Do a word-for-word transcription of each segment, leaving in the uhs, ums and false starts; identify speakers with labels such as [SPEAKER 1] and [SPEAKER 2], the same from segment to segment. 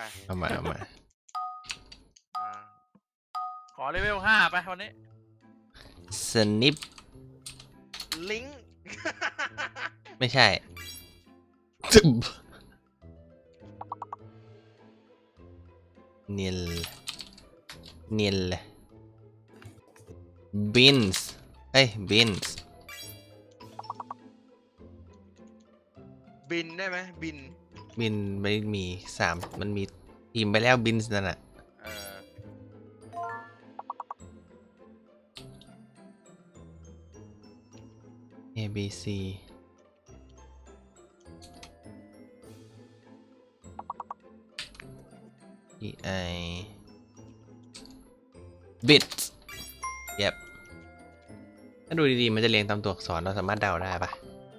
[SPEAKER 1] เอามาเอามา
[SPEAKER 2] ขอเลเวลห้าไปวันนี้
[SPEAKER 1] สนิป
[SPEAKER 3] ลิง
[SPEAKER 1] ไม่ใช่จึ๊บเนียลเนียลบินส์เอ้ยบินส์
[SPEAKER 3] บินได้ไหมบิน
[SPEAKER 1] บินไม่มีสามมันมีทีมไปแล้วบินส์นั่นน่ะ
[SPEAKER 3] เออ
[SPEAKER 1] A B C E I bit เย็บถ้าดูดีๆมันจะเรียงตามตัวอักษรเราสามารถเดาได้ปะ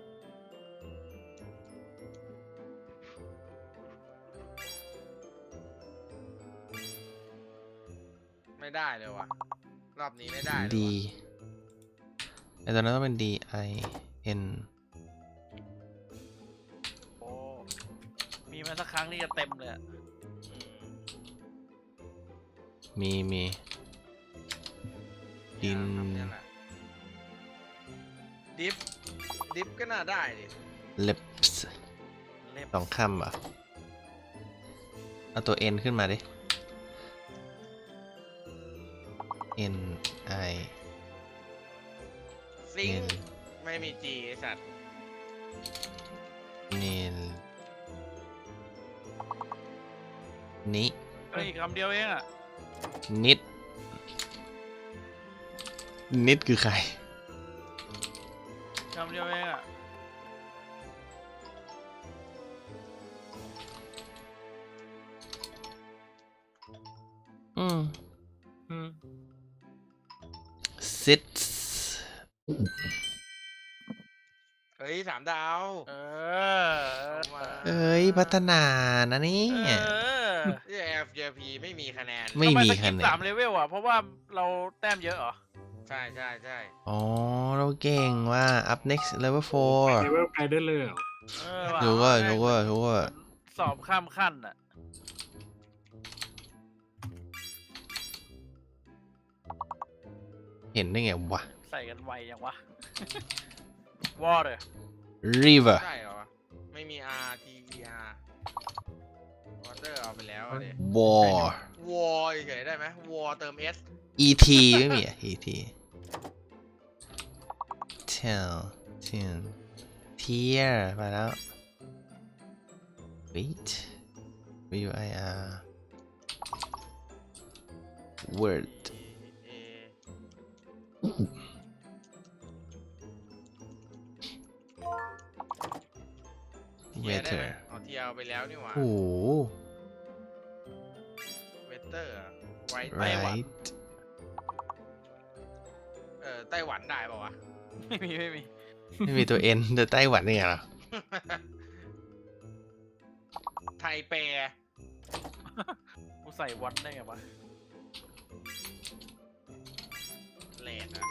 [SPEAKER 3] ไม่ได้เลยว่ะรอบนี้ไม่ได้
[SPEAKER 1] D
[SPEAKER 3] เลย
[SPEAKER 1] ไอตอนนั้นต้องเป็น D I N
[SPEAKER 2] โอ้มีมาสักครั้งนี่จะเต็มเลย
[SPEAKER 1] มีมีดิน
[SPEAKER 3] ดิฟดิฟก็น่าได้ดิ
[SPEAKER 1] lips
[SPEAKER 2] เล็บ
[SPEAKER 1] สองคำเหรอเอาตัว N ขึ้นมาดิ N I
[SPEAKER 3] ซิง
[SPEAKER 1] N
[SPEAKER 3] ไม่มีจีไอสัตว์
[SPEAKER 1] N นี้
[SPEAKER 2] เฮ้ยคำเดียวเองอ่ะ
[SPEAKER 1] นิดนิดคือใคร
[SPEAKER 2] คำเดียวเองอ่ะ
[SPEAKER 1] อืม
[SPEAKER 2] อืม
[SPEAKER 1] sits
[SPEAKER 3] เฮ้ยสามดาว
[SPEAKER 2] เออ
[SPEAKER 1] เอ้ยพัฒนานะนี่
[SPEAKER 2] เออ
[SPEAKER 3] ที่ F J P ไม่มีคะแนน
[SPEAKER 1] ไม่มี
[SPEAKER 2] ทำ
[SPEAKER 1] คะ
[SPEAKER 2] ส
[SPEAKER 1] แน
[SPEAKER 2] กิปสาน มเลเวลอ่ะเพราะว่าเราแต้มเยอะเหรอ
[SPEAKER 3] ใช่ใช่ใช่
[SPEAKER 1] อ๋อเราเก่งว่า up next level four
[SPEAKER 4] เลเวลไปได้เลยเหรอ
[SPEAKER 2] เออว่ะ
[SPEAKER 1] ถูกว่าถูกว่าถูกว่า
[SPEAKER 2] สอบข้ามขั้นอ่ะ
[SPEAKER 1] เห็นได้ไงวะ
[SPEAKER 2] ใส่กันไวยังวะ water
[SPEAKER 1] river
[SPEAKER 3] ใช่เหรอวะไม่มี R T E R water เอาไปแล้วเลย
[SPEAKER 1] war
[SPEAKER 3] war เฉยๆได้ไหม war เติม S
[SPEAKER 1] et ไม่มีอะ et tell tell tear มาแล้ว wait w I R word
[SPEAKER 3] A
[SPEAKER 1] weather
[SPEAKER 3] เอาเทียเอาไปแล้วนี่หว่า
[SPEAKER 1] โอ้โห
[SPEAKER 3] weather ไว้
[SPEAKER 1] right
[SPEAKER 3] เออไต้หวันได้ป่าวะ
[SPEAKER 2] ไม่มีไม่มี
[SPEAKER 1] ไม่มีตัว N แต่ไต้หวันนี่เหรอ
[SPEAKER 3] ไทเป
[SPEAKER 2] กูใส่วันได้ไงวะ
[SPEAKER 3] เลดอะ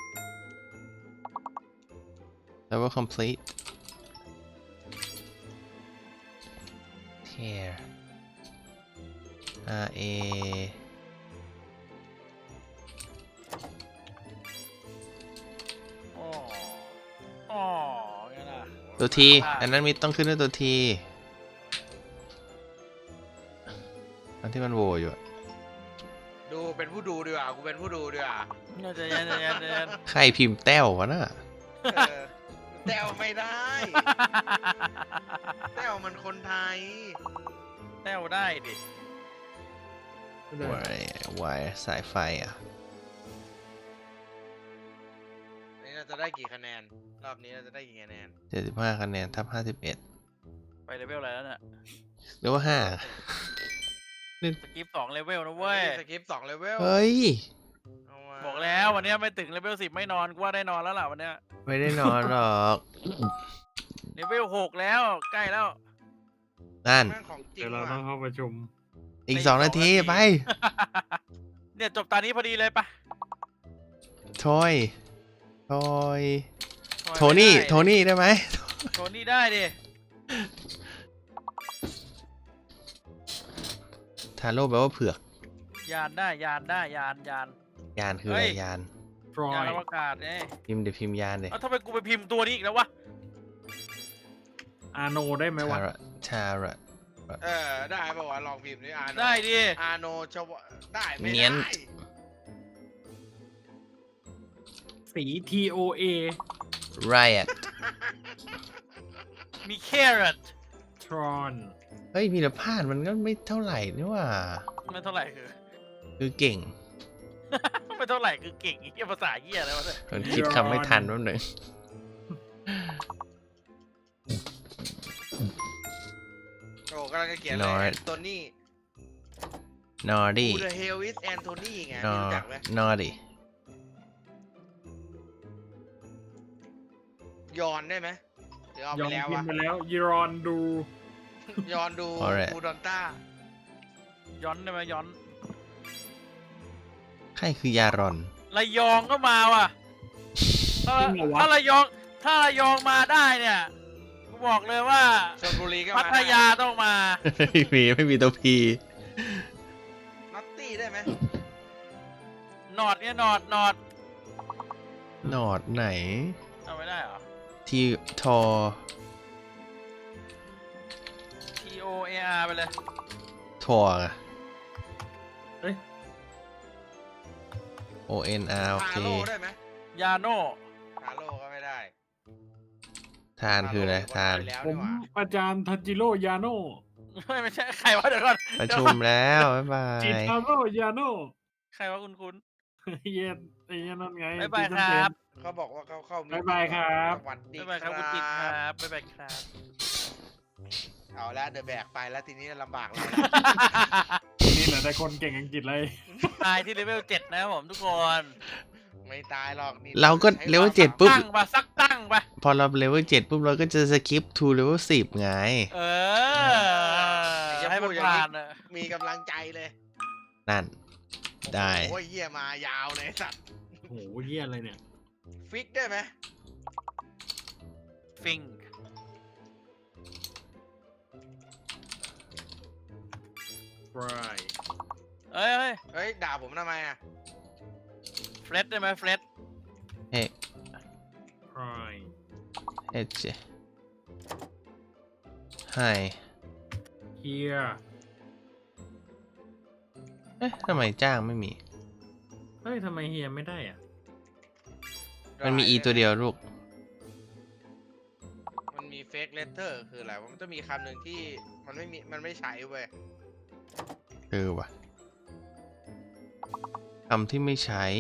[SPEAKER 1] level complete tear R A
[SPEAKER 2] อ๋ออ๋อไงล่ะ
[SPEAKER 1] ตัว T อันนั้นมีต้องขึ้นด้วยตัว T อันที่มันโหวอยู่อะ
[SPEAKER 3] ดูเป็นผู้ดูดีกว่ากูเป็นผู้ดูดีกว่า
[SPEAKER 2] น่าจะเย็นจะเย็นจะเย็น
[SPEAKER 1] ใครพิมพ์แต้ววะน่ะ
[SPEAKER 3] เออแต้วไม่ได้แต้วมันคนไทย
[SPEAKER 2] แต้วได้ดิ
[SPEAKER 4] ไม่ได้
[SPEAKER 1] วายวายสายไฟอ่ะ
[SPEAKER 3] นี่เราจะได้กี่คะแนนรอบนี้เราจะได้กี่คะแนน
[SPEAKER 1] เจ็ดสิบห้าคะแนนทับห้าสิบเอ็ด
[SPEAKER 2] ไปเลเวลอะไรแล้วเนี่ย
[SPEAKER 1] หรือว่าห้า
[SPEAKER 2] สกิปสองเลเวลนะเว้ย
[SPEAKER 3] สกิปสองเลเวล
[SPEAKER 1] เฮ้ย
[SPEAKER 3] เอามา
[SPEAKER 2] บอกแล้ววันนี้ไม่ถึงเลเวลสิบไม่นอนกูว่าได้นอนแล้วล่ะวันเนี้ย
[SPEAKER 1] ไม่ได้นอนหรอก
[SPEAKER 2] เลเวลหกแล้วใกล้แล้ว
[SPEAKER 1] นั่น
[SPEAKER 3] แม่งของจริง
[SPEAKER 4] เดี๋ยวเราต้
[SPEAKER 3] ว่ะ
[SPEAKER 4] องเข้าประชุม
[SPEAKER 1] อีกสองนาทีไป
[SPEAKER 2] เนี่ยจบตานี้พอดีเลยปะ
[SPEAKER 1] ทอยทอยโทนี่โทนี่ได้ไหม
[SPEAKER 2] โทนี่ได้ดิ
[SPEAKER 1] ทาโร่แปลว่าเผือก
[SPEAKER 2] ยานได้ยานได้ยานยาน
[SPEAKER 1] ยานคืออะไร
[SPEAKER 2] เฮ้ย
[SPEAKER 1] ยาน
[SPEAKER 4] ทรอย
[SPEAKER 2] านอวกาศเนี่ย
[SPEAKER 1] พิมพ์เดี๋ยวพิมพ์ยานเลย
[SPEAKER 2] เอ้าทำไมกูไปพิมพ์ตัวนี้อีกแล้ววะ
[SPEAKER 4] อาโนได้ไหมวะ
[SPEAKER 1] ทาระทาระ
[SPEAKER 3] เออได้ป่าวะลองพิมพ์นี่อาโน
[SPEAKER 2] ได้ดิ
[SPEAKER 3] อาโนชวได้ไม่
[SPEAKER 1] เนี๊ยน
[SPEAKER 3] ได้
[SPEAKER 4] สี T O A
[SPEAKER 1] ไรอะ
[SPEAKER 2] มีแครอท
[SPEAKER 4] ทรอน
[SPEAKER 1] เฮ้ยพีรพาดมันก็ไม่เท่าไหร่นี่หว่า
[SPEAKER 2] ไม่เท่าไหร่คือ
[SPEAKER 1] คือเก่ง
[SPEAKER 2] ไม่เท่าไหร่คือเก่งไอ้เหี้ยภาษาเหี้ยอะไรวะเนี่ย
[SPEAKER 1] มันคิดคำไม่ทันแป๊บหนึง
[SPEAKER 3] โอ้กำลังจะเขียนเลยแอนโทนี่
[SPEAKER 1] นอร์ดี้
[SPEAKER 3] Who the hell is Anthony ไง
[SPEAKER 1] นอ
[SPEAKER 3] รู้จักไหม
[SPEAKER 1] นอร์ดี้
[SPEAKER 3] ยอนได้ไหมเดี๋ยวเอา
[SPEAKER 4] ย
[SPEAKER 3] ไป
[SPEAKER 4] อง
[SPEAKER 3] แล้ว
[SPEAKER 4] พิม
[SPEAKER 3] วะ
[SPEAKER 4] พ์ไปแล้วยีรอนดู
[SPEAKER 3] ยอนดูบูดอนต้า
[SPEAKER 2] ย้อนได้ไหมย้อน
[SPEAKER 1] ใครคือยารอน
[SPEAKER 2] ระยองก็มาว่ะถ้า
[SPEAKER 4] จริงเหรอวะ
[SPEAKER 2] ถ้าระยองถ้าระยองมาได้เนี่ยกูบอกเลยว่า
[SPEAKER 3] ชลบุรีก็
[SPEAKER 2] พั
[SPEAKER 3] มา
[SPEAKER 2] ทยาต้องมา
[SPEAKER 1] ไม่มีไม่มีตัวพี
[SPEAKER 3] นัตตี้ได้ไหม
[SPEAKER 2] หนอดเนี่ยหนอดหนอด
[SPEAKER 1] นอดไหน
[SPEAKER 2] เอาไม่ได้เหรอ
[SPEAKER 1] ที่ทอ
[SPEAKER 2] T O A R ไปเลย
[SPEAKER 1] ทออะ
[SPEAKER 4] เอ้ย
[SPEAKER 1] O N R โอ
[SPEAKER 3] ฮา
[SPEAKER 1] เค
[SPEAKER 3] โลได้ไหม
[SPEAKER 2] ยาโน่
[SPEAKER 3] ฮาโลก็ไม่ได้
[SPEAKER 1] ทานคืออะไรทาน
[SPEAKER 3] ไปแล้ว
[SPEAKER 4] ผ
[SPEAKER 3] นี่
[SPEAKER 4] ม
[SPEAKER 3] หว่า
[SPEAKER 4] อาจารย์ทันจิโร่ยาโน
[SPEAKER 2] ไม่ไม่ใช่ใครวะเดี๋ยวก่อน
[SPEAKER 1] ประชุมแล้ว บ๊ายบา
[SPEAKER 4] จิ
[SPEAKER 1] ย
[SPEAKER 4] ตาโร่ยาโน
[SPEAKER 2] ใครวะคุณคุณ
[SPEAKER 4] เย็นไอ้เหี้ยนั่นไง
[SPEAKER 2] บ๊ายบายครับ
[SPEAKER 3] เขาบอกว่าเขาเข้ามี
[SPEAKER 4] บ๊ายบายครับ
[SPEAKER 3] สวัสดี
[SPEAKER 2] บ๊ายบายครับคุณจิตครับบ๊ายบายครับ
[SPEAKER 3] เอาละเดอะแบกไปแล้วทีนี้ลำบากเราละ
[SPEAKER 4] นี่แหละแต่คนเก่งอังกฤษเลย
[SPEAKER 2] ตายที่เลเวลเจ็ดนะครับผมทุกคน
[SPEAKER 3] ไม่ตายหรอกนี่
[SPEAKER 1] เราก็
[SPEAKER 3] ใช้
[SPEAKER 1] เลเวลเจ็ดปุ๊บ
[SPEAKER 2] ตั้งปะสักตั้งปะ
[SPEAKER 1] พอเราเลเวลเจ็ดปุ๊บเราก็จะสกิปทูเลเวลสิบไง
[SPEAKER 2] เออให้มันผ่านอะ
[SPEAKER 3] มีกำลังใจเลย
[SPEAKER 1] นั่น ได้
[SPEAKER 3] โอ้ยเหี้ยมายาวเลยสัตว์
[SPEAKER 4] โอ้โหเหี้ยอะไรเนี่ย
[SPEAKER 3] ฟิกได้ไหม
[SPEAKER 2] ฟิง
[SPEAKER 4] ฟราย
[SPEAKER 2] เอ้ยเอ้ย
[SPEAKER 3] เฮ้ยด่าผมทำไมอ่ะ
[SPEAKER 2] เฟรดได้ไหมเฟรด
[SPEAKER 1] เฮ้
[SPEAKER 4] ฟราย
[SPEAKER 1] เอชไฮ
[SPEAKER 4] เฮีย
[SPEAKER 1] เอ๊ะทำไมจ้างไม่มี
[SPEAKER 4] เฮ้ยทำไมเฮียไม่ได้อ่ะ
[SPEAKER 1] มันมี e ตัวเดียวลูก
[SPEAKER 3] มันมีเฟกเลเตอร์คืออะไรวะมันต้องมีคำหนึ่งที่มันไม่มีมันไม่ใช้เว้ย
[SPEAKER 1] เออว่ะคำที่ไม่ใช้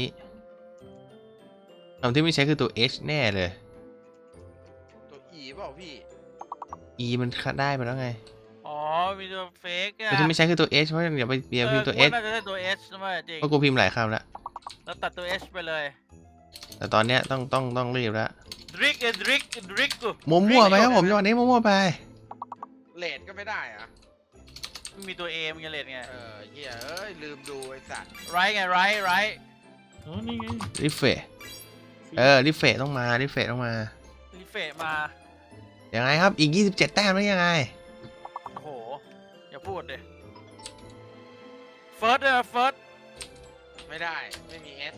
[SPEAKER 1] คำที่ไม่ใช้คือตัว h แน่เลย
[SPEAKER 3] ตัว e เปล่าพี่
[SPEAKER 1] e มันได้ไปแล้วไง
[SPEAKER 2] อ๋อมีตัวเฟกอะ
[SPEAKER 1] ตัวที่ไม่ใช้คือตัว h เพราะอย่าไปอย่าพิมพ์ตัว
[SPEAKER 2] เออ
[SPEAKER 1] h
[SPEAKER 2] กูาน่าจะได้ตัว H นะเว้ยจริง
[SPEAKER 1] เพราะกูพิมพ์หลายคำแล้ว
[SPEAKER 2] แล้วตัดตัว H ไปเลย
[SPEAKER 1] แต่ตอนเนี้ยต้องต้องต้องรีบแล้ว
[SPEAKER 2] ดริกเอดริกดริกกู
[SPEAKER 1] มั่วๆไปครับผมจังหวะนี้มั่วๆไป
[SPEAKER 3] เลดก็ไม่ได้อะ
[SPEAKER 2] ไม่มีตัว A มันยังเลดไง
[SPEAKER 3] เออเหี้ยเอ้ยลืมดูไอ้สัตว์
[SPEAKER 2] ไรไงไรไร
[SPEAKER 4] อ๋อนี่ไง
[SPEAKER 1] ริเฟะเออริเฟะต้องมาริเฟะต้องมา
[SPEAKER 2] รีเฟะมา
[SPEAKER 1] ยังไงครับอีกยี่สิบเจ็ดแต้มแล้วยังไง
[SPEAKER 2] โอ้โหอย่าพูดเลยเฟิร์สเลยเฟิร์ส
[SPEAKER 3] ไม่ได้ไม่มี S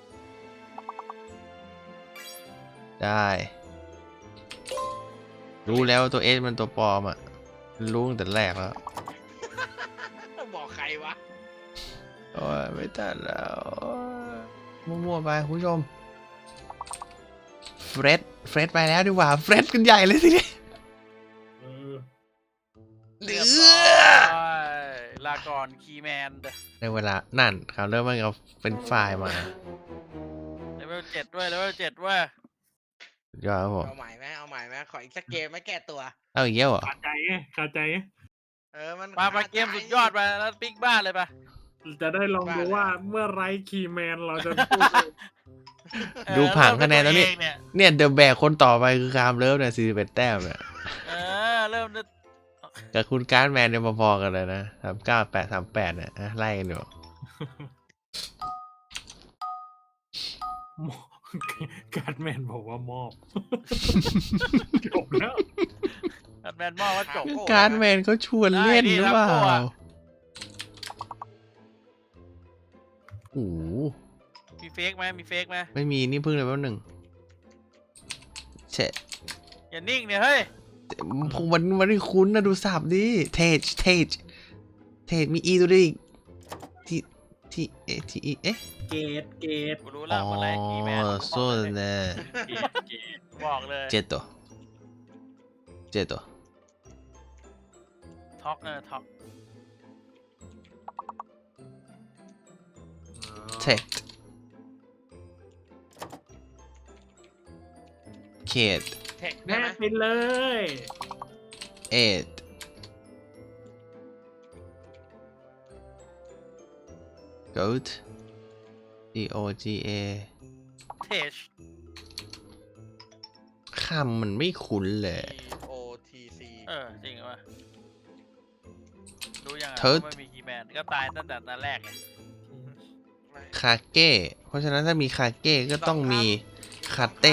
[SPEAKER 1] ได้ รู้แล้วว่าตัว h มันตัวปลอมอ่ะรู้ตั้งแต่แรกแล้ว
[SPEAKER 3] บอกใครวะ
[SPEAKER 1] โอ้ยไม่ทันแล้วมั่วๆไปคุณผู้ชมเฟรดเฟรดไปแล้วดีกว่าเฟรดกันใหญ่เลยทีนี้
[SPEAKER 4] เออ
[SPEAKER 1] เหลื
[SPEAKER 3] เรียบ
[SPEAKER 1] อ
[SPEAKER 3] ร้อย
[SPEAKER 2] ลาก่อนคีย์แมน
[SPEAKER 1] ในเวลานั่นเขาเริ่มมันเอาเป็นไฟล์มา
[SPEAKER 2] เลเวลเจ็ดด้วยเลเวลเจ็ดด้วย
[SPEAKER 1] สุดยอดครับผม
[SPEAKER 3] เอาใหม่ไหมเอาใหม่ไหมขออีกสักเกมไหมแก้ตัว
[SPEAKER 1] เอาอีกแล้วเหรอ
[SPEAKER 4] ขาดใจไงขาดใจไง
[SPEAKER 3] เออมัน
[SPEAKER 2] มาไปเกมสุดยอดไปแล้วปิ๊กบ้านเลยปะ
[SPEAKER 4] จะได้ลองดูว่าเมื่อไรคีย์แมนเราจะพูดเลย
[SPEAKER 2] เออ
[SPEAKER 1] ดูผังคะแนนแล้วนี่
[SPEAKER 2] เริ่มด้วยตัวเองเนี่ย
[SPEAKER 1] เนี่ยเดอะแบกคนต่อไปคือคามเลิฟเนี่ยสี่สิบเอ็ดแต้มเนี่ย
[SPEAKER 2] เออเริ่มด้วย
[SPEAKER 1] กับคุณการ์ดแมนเนี่ยพอๆกันเลยนะสามเก้าแปดสามแปดเนี่ยอ่ะไล่กันอยู่
[SPEAKER 4] การ์ดแมนบอกว่ามอบ จบแล้ว
[SPEAKER 2] แบนมอว่าจบ
[SPEAKER 1] การ์ดแมนเขาชวนเล่นหรือเปล่า
[SPEAKER 2] ได้ดิ
[SPEAKER 1] โอ้โห
[SPEAKER 2] มีเฟกไหมมีเฟกไหม
[SPEAKER 1] ไม่มีนี่เพิ่งเลยแป๊บหนึ่งเชะ
[SPEAKER 2] อย่านิ่งเนี่ยเฮ้ย
[SPEAKER 1] ผมมันมันไม่คุ้นนะดูสับดิเทจเทจเทจมีอีตัวด้วยอีกที่ที่เอ๊ะที่อีเอ๊ะ
[SPEAKER 4] เกตเกต
[SPEAKER 2] กูรู้
[SPEAKER 1] อ๋
[SPEAKER 2] แล้ว
[SPEAKER 1] อ
[SPEAKER 2] อะไรกีแมน
[SPEAKER 1] โซนเน่
[SPEAKER 2] เกตเกตบอกเลย
[SPEAKER 1] เจ็ดตัวเจ็ดตัว
[SPEAKER 2] ท็อกเออท็อก
[SPEAKER 1] เทคเคด
[SPEAKER 3] เทคได้
[SPEAKER 4] แม่
[SPEAKER 3] ไหม
[SPEAKER 4] ไปเลย
[SPEAKER 1] เอ็ดกูด G O G A
[SPEAKER 2] เทช
[SPEAKER 1] คำมันไม่คุ้นเลย
[SPEAKER 3] T O T C
[SPEAKER 2] เออจริงวะรู้ยังไง
[SPEAKER 1] เทิร์ด
[SPEAKER 2] ว่าไม่มีกีแมนก็ตายตั้งแต่ตอนแรกไง
[SPEAKER 3] ไม่
[SPEAKER 1] คาเก้เพราะฉะนั้นถ้ามีคาเก้ก็ต้องมีคาเต้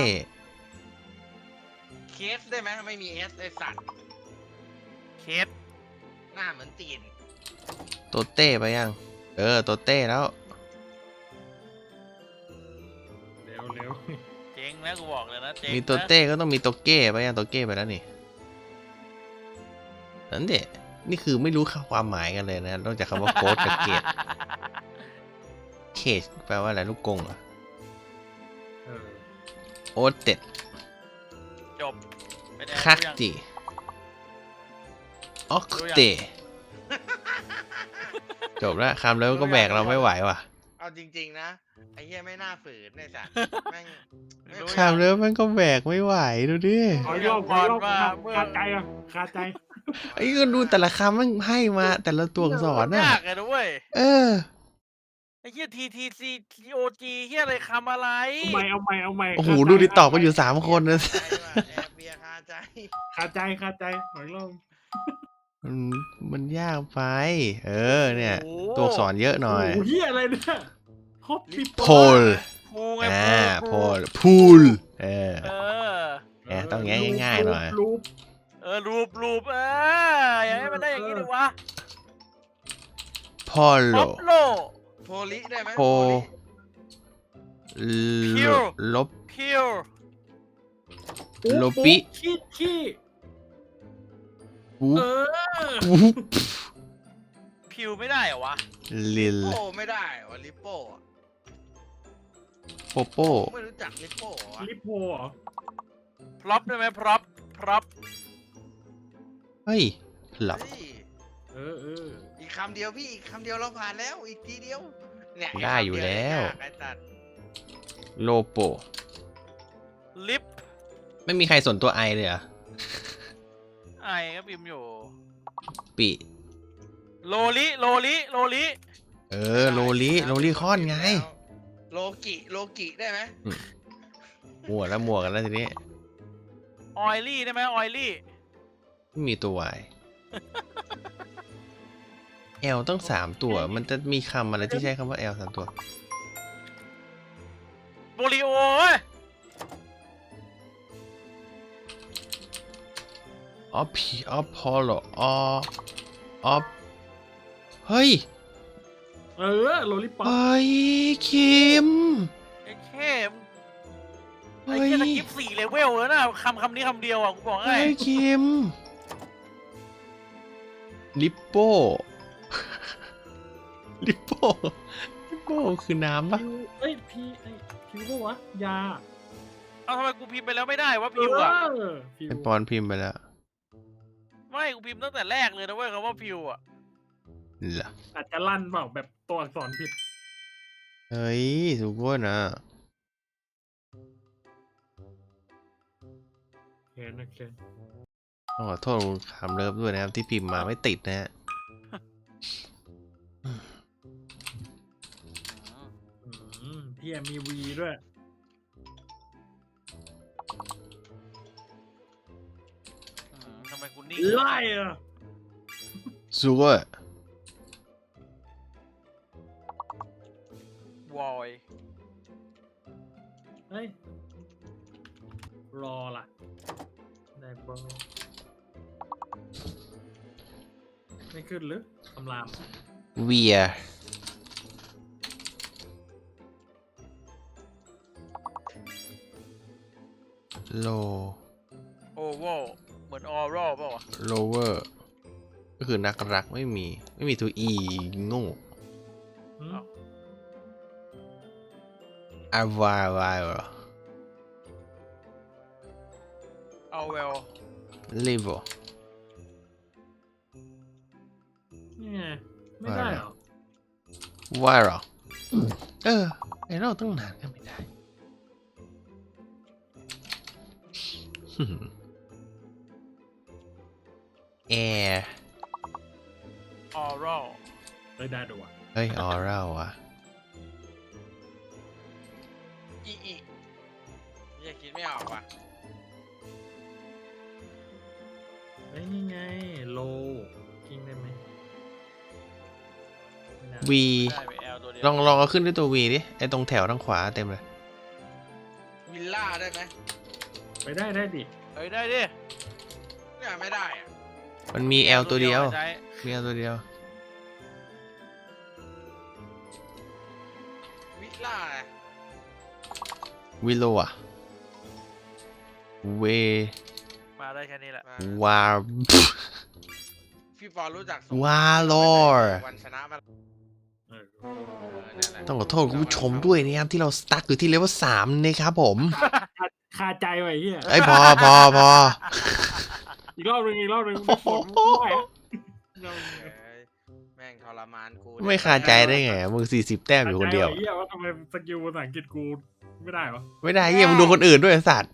[SPEAKER 3] เคสได้ไหมไม่มีเอสไอสัตว์
[SPEAKER 2] เคส
[SPEAKER 3] หน้าเหมือนตีน
[SPEAKER 1] โตเต้ไปยัง เออโตเต้แล้ว
[SPEAKER 4] เร็วเร็ว
[SPEAKER 2] เจ๊งนะกูบอกเลยนะเจ๊ง
[SPEAKER 1] มี
[SPEAKER 2] นะ
[SPEAKER 1] โตเต้ก็ต้องมีโตเก้ไปยังโตเก้ไปแล้วนี่นั่นเด็นี่คือไม่รู้ความหมายกันเลยนะนอกจากคำว่าโค้ดกับเกตเคจแปลว่าอะไรลูกกงเหรอ
[SPEAKER 4] เออ
[SPEAKER 1] โอเต็ด
[SPEAKER 2] จบเป็นไง
[SPEAKER 1] คัก
[SPEAKER 2] รู้ยัง
[SPEAKER 1] จิออกเตจบแล้วคำแล้วก็แบกเราไม่ไหวว่ะ
[SPEAKER 3] เอาจริงๆนะไอ้เหี้ยไม่น่าฝืนไอ้สัตว์แม่งไม่
[SPEAKER 1] คำแล้วมันก็แบกไม่ไหวดูดิ
[SPEAKER 4] ขออีกรอบขออีกรอบคาใจอ่ะคาใจ
[SPEAKER 1] ไอ้ก็ดูแต่ละคำมันให้มาแต่ละตัวอักษรน่ะ
[SPEAKER 2] ยากเลยนะเว้ย
[SPEAKER 1] เออ
[SPEAKER 2] ไอ้เหี้ย ที ที ซี ที โอ จี เหี้ยอะไรคำอะไร
[SPEAKER 4] เอาใหม่เอาใหม่เอาใหม่
[SPEAKER 1] โอ้โหดูดิตอบกันอยู่สามคนนะ
[SPEAKER 3] ใจว่ะแอบเบียร์คาใจ
[SPEAKER 4] คาใจคาใจขออีกรอบ
[SPEAKER 1] มันมันยากไป เออเนี่ย
[SPEAKER 2] โอ้
[SPEAKER 1] ตัวอักษรเยอะหน่อย
[SPEAKER 4] โอ้โหเฮียอะไรเนี่ยฮอปปี้
[SPEAKER 1] โพล
[SPEAKER 2] พูไง
[SPEAKER 1] อ่าโพ
[SPEAKER 2] พู
[SPEAKER 1] ลพูลเออ
[SPEAKER 2] เออ
[SPEAKER 1] แหมต้องแง่ง่ายๆหน่อย
[SPEAKER 4] รูป
[SPEAKER 2] เออ รูปรูปเอออย่าให้มันได้อย่างนี้ดิวะ
[SPEAKER 1] พอลโล
[SPEAKER 2] ป๊อปโล
[SPEAKER 3] โพลิได้ไหม
[SPEAKER 1] โพ
[SPEAKER 2] พิว
[SPEAKER 1] ลบ
[SPEAKER 2] พิว
[SPEAKER 4] ปุ๊
[SPEAKER 1] โลปิ
[SPEAKER 4] ขี้ขี้
[SPEAKER 1] ปุ๊
[SPEAKER 4] เออ
[SPEAKER 1] ปุ๊บ
[SPEAKER 2] พิวไม่ได้เหรอวะ
[SPEAKER 1] ลิล
[SPEAKER 3] โป้ไม่ได้วะลิปโป้อะ
[SPEAKER 1] โปโป้
[SPEAKER 3] ไม่รู้จักลิปโป้วะ
[SPEAKER 4] ลิโพเหรอ
[SPEAKER 2] พร็อพได้ไหมพร็อพพร็อพ
[SPEAKER 1] เฮ้ยหลับ
[SPEAKER 3] เฮ้ย
[SPEAKER 4] เออเออ
[SPEAKER 3] อีกคำเดียวพี่อีกคำเดียวเราผ่านแล้วอีกทีเดียวเนี่ย
[SPEAKER 1] ได้อยู่แล้ว
[SPEAKER 3] ไอ้สัตว์
[SPEAKER 1] โลโป
[SPEAKER 2] ลิป
[SPEAKER 1] ไม่มีใครสนตัวไอเลยเหรอ่ะ
[SPEAKER 2] ไอก็พิมพ์อยู่
[SPEAKER 1] ปิ
[SPEAKER 2] โลลิโลลิโลลิ
[SPEAKER 1] เออโลลิโลลิคอนไง
[SPEAKER 3] โลกิโลกิได้ไหม
[SPEAKER 1] มัวแล้วมัวกันแล้วทีนี้
[SPEAKER 2] ออยลี่ได้ไหมออยลี่
[SPEAKER 1] ไม่มีตัววายแอลต้องสามตัว มันจะมีคำอะไรที่ใช้คำว่าแอลสามตัว
[SPEAKER 2] โบริโอเว้ย
[SPEAKER 1] ออฟพีออฟพอลโลอออฟเฮ้ย
[SPEAKER 4] เออโลลิปอป
[SPEAKER 1] เฮ้ยคิม
[SPEAKER 2] ไอ้เข้มไอ้
[SPEAKER 1] เฮ้ย
[SPEAKER 2] เหี้ยตะกิฟสี่เลเวลแล้วนะคำคำนี้คำเดียวอ่ะกูบอกให้
[SPEAKER 1] เฮ้ยคิม ลิปโป้ ลิปโป้ ลิปโป้คือน้ำปะ
[SPEAKER 4] พิวเอ้ยพีไอ้พิวปะวะยา
[SPEAKER 2] เอาทำไมกูพิมพ์ไปแล้วไม่ได้วะพิวอ่ะ
[SPEAKER 4] เออพิว
[SPEAKER 1] ไอปอนพิมพ์ไปแล้ว
[SPEAKER 2] ไม่กูพิมพ์ตั้งแต่แรกเลยนะเว้ยคำว่าพิวอ่ะ
[SPEAKER 1] เหรอ
[SPEAKER 4] อาจจะลั่นเปล่าแบบตัวอักษรผิด
[SPEAKER 1] เฮ้ยทุกคนนะ
[SPEAKER 4] เห็นนะเคน
[SPEAKER 1] ต้องขอโทษคุณคำเลิฟด้วยนะครับ ที่พิมพ์มาไม่ติดนะฮะ
[SPEAKER 4] อืมพี่มีวีด้วย
[SPEAKER 2] อืมทำไมกูนิ่ง
[SPEAKER 4] ไล่อะ
[SPEAKER 1] ซูเปอร์
[SPEAKER 2] วอย
[SPEAKER 4] เฮ้ย รอล่ะ ได้บอลไม่ขึ้นหรือคำราม
[SPEAKER 1] เวียโล
[SPEAKER 2] โอเวอร์เหมือนออรัลเปล่าวะ
[SPEAKER 1] lower ก็คือนักรักไม่มี ไม่มีตัว e โง่
[SPEAKER 4] หืม
[SPEAKER 1] avile เหรอ
[SPEAKER 2] เอาเวล
[SPEAKER 1] level
[SPEAKER 4] นี่ไงไม่ได้เหรอ
[SPEAKER 1] viral เออไอเราตั้งนานก็ไม่ได้ air
[SPEAKER 2] ออรัล
[SPEAKER 4] เอ้ยได้ดูว่ะ
[SPEAKER 1] เฮ้ย oral อ่ะ
[SPEAKER 3] อีอียังคิดไม่ออกว่ะ
[SPEAKER 4] เอ้ยนี่ไงโลกิ้งได้ไหมไม่ได้
[SPEAKER 1] v
[SPEAKER 2] ได้ไปแอลตัวเดียว
[SPEAKER 1] ลองลองเอาขึ้นด้วยตัว v ดิ ไอตรงแถวทางขวาเต็มเลย
[SPEAKER 3] วิลล่าได้ไหม
[SPEAKER 4] ไปได้ได้ดิ
[SPEAKER 2] เฮ้ยได้ดิ
[SPEAKER 3] เนี่ยไม่ได้อะ
[SPEAKER 1] มันมี l ตัวเดียว
[SPEAKER 2] ใช้
[SPEAKER 1] มี l ตัวเดียว
[SPEAKER 3] วิลล่าอะ
[SPEAKER 1] วิโลอ่ะ เว
[SPEAKER 2] มาได้แค่นี้แหละ
[SPEAKER 3] มาว
[SPEAKER 1] า
[SPEAKER 3] พี่ปอรู้จักส
[SPEAKER 1] วาลอร์
[SPEAKER 3] วันชนะมา
[SPEAKER 4] เออ
[SPEAKER 3] เออนั่นแหละ
[SPEAKER 1] ต้องขอโทษคุณผู้ชมด้วยนะครับ ที่เราสตั๊กอยู่ที่เลเวลสามนะครับผม
[SPEAKER 4] คาคาใจไว้ไอ้เฮีย
[SPEAKER 1] ไอยพอพอพอ
[SPEAKER 4] อีกรอบหนึงอีกรอบหนึงไม่ฝนไม่ไหวอะอีกรอบหนึ่ง
[SPEAKER 3] เอ้ยแม่งทรมานกู
[SPEAKER 1] ไม่คาใจได้ไงมึงสี่สิบแต้มอยู่คนเดียว
[SPEAKER 4] คาใจไอ้เฮียว่าทำไมสกิลภาษาอังกฤษกูไม่ได้วะ
[SPEAKER 1] ไม่ได้เฮียมึงดูคนอื่นด้วยไอ้สัตว์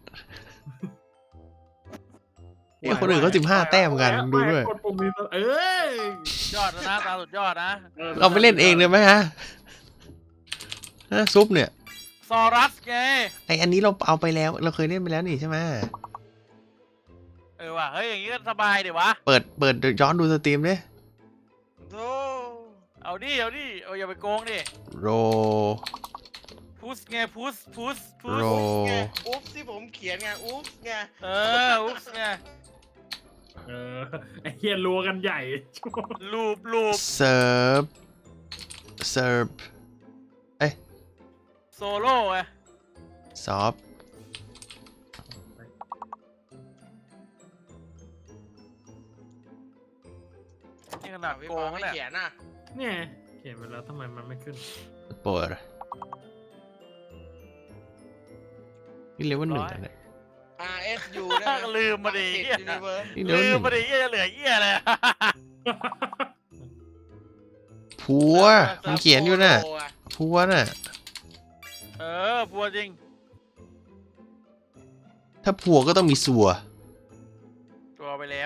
[SPEAKER 1] เฮียคนอื่นเขาสิบห้าแต้มกันดูด้วย
[SPEAKER 4] กดปุ่มนี้เอ้ย
[SPEAKER 2] ยอดแล้วนะตาสุดยอดนะ
[SPEAKER 1] เราไปเล่นเองเลยไหมฮะฮะซุปเนี่ย
[SPEAKER 2] ซอรัสไง
[SPEAKER 1] ไออันนี้เราเอาไปแล้ว เราเคยเล่นไปแล้วนี่ใช่ไหม
[SPEAKER 2] เออว่ะเฮ้ยอย่างงี้ก็สบายเดี๋ยววะ
[SPEAKER 1] เปิดเปิดย้อนดูสตรีมดิ
[SPEAKER 3] โธ
[SPEAKER 2] เอาดิเอาดิเอาอย่าไปโกงดิ
[SPEAKER 1] โร
[SPEAKER 2] พุสไงพุสพุสพุ
[SPEAKER 1] โร
[SPEAKER 2] ส
[SPEAKER 3] ไงอุ๊บที่ผมเขียนไงอุ๊บไง
[SPEAKER 2] เอออุ๊สไง
[SPEAKER 4] เออไอ้เฮียรัวกันใหญ่
[SPEAKER 2] ลูปลูป
[SPEAKER 1] เซิร์ฟเซิร์ฟ
[SPEAKER 2] โซโล่ไง
[SPEAKER 1] ซอฟ
[SPEAKER 2] นี่ขนาด
[SPEAKER 3] พี่
[SPEAKER 2] โก
[SPEAKER 3] ปอง ไม่
[SPEAKER 2] เนี่ย
[SPEAKER 3] เขียนน่ะ
[SPEAKER 4] เนี่ยเขียนไปแล้วทำไมมันไม่ขึ้น
[SPEAKER 1] เปิดนี่เลเวลหนึ่งแล้วเนี่ย
[SPEAKER 3] R S U ได้ไหม
[SPEAKER 2] ลืมมาดิ
[SPEAKER 3] ติด
[SPEAKER 2] เหี้ย
[SPEAKER 3] ยูนิเวิร์ส
[SPEAKER 1] นี่เลเวล
[SPEAKER 2] ลื
[SPEAKER 1] ห
[SPEAKER 2] ม
[SPEAKER 1] นึ่ง
[SPEAKER 2] มาดิเหี้ยจะเหลือเหี้ยเลย
[SPEAKER 1] ผัวมันเขียนอยู่น่ะผัวน่ะ
[SPEAKER 2] เออพัวจริง
[SPEAKER 1] ถ้าผัวก็ต้องมีสัว
[SPEAKER 2] ตัวไปแล้ว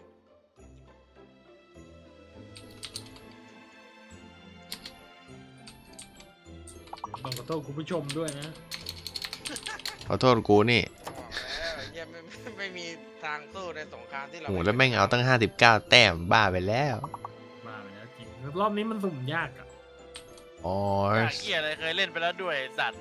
[SPEAKER 4] ต้องขอโทษคุณผู้ชมด้วยนะ
[SPEAKER 1] ขอโทษกูนี่
[SPEAKER 3] บอกแล้วไอ้เหี้ยไม่ไม่ไม่มีทางสู้ในสงครามที่เรา
[SPEAKER 1] โหแล้วแม่งเอาตั้งห้าสิบเก้าแต้มบ้าไปแล้ว
[SPEAKER 4] มาไปแล้วจริงรอบนี้มันสุ่มยากอ่ะ
[SPEAKER 1] อ๋อ
[SPEAKER 2] อยากเหี้ยอะไรเคยเล่นไปแล้วด้วยไอ้สัตว์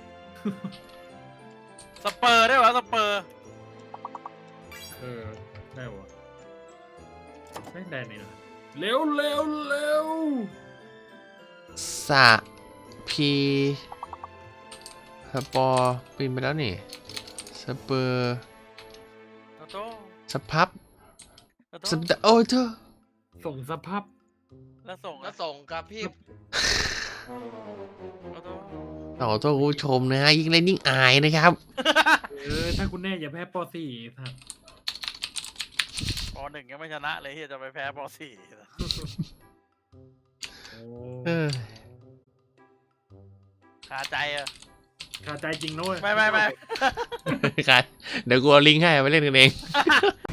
[SPEAKER 2] สเปอร์ได้วะสเปอร์
[SPEAKER 4] เออได้วะไม่ได้นี่นะเร็วเร็วเร็ว
[SPEAKER 1] สะพีสปอร์ปีนไปแล้วนี่สเปอร์
[SPEAKER 2] โตโต้
[SPEAKER 1] สพับ
[SPEAKER 2] โตโต้
[SPEAKER 1] สปโอ้เธอ
[SPEAKER 4] ส่งสภาพ
[SPEAKER 2] แล้วส่ง
[SPEAKER 3] แล้
[SPEAKER 2] อะ
[SPEAKER 3] วส่งกับพี่
[SPEAKER 2] โตโต้
[SPEAKER 1] ขอโทษคุณผู้ชมนะฮะยิ่งเล่นยิ่งอายนะครับ
[SPEAKER 4] เออถ้าคุณแน่อย่าแพ้ปอสี่ท่าน
[SPEAKER 2] ปหนึ่งยังไม่ชนะเลยเฮียจะไปแพ้ปสี่
[SPEAKER 4] โอ้
[SPEAKER 1] เออ
[SPEAKER 2] คาใจอะ
[SPEAKER 4] ขาดใจจริงนะเว้ย
[SPEAKER 2] ไม่ไม่ไม่
[SPEAKER 1] ครับเดี๋ยวกูเอาลิงก์ให้ไปเล่นกันเอง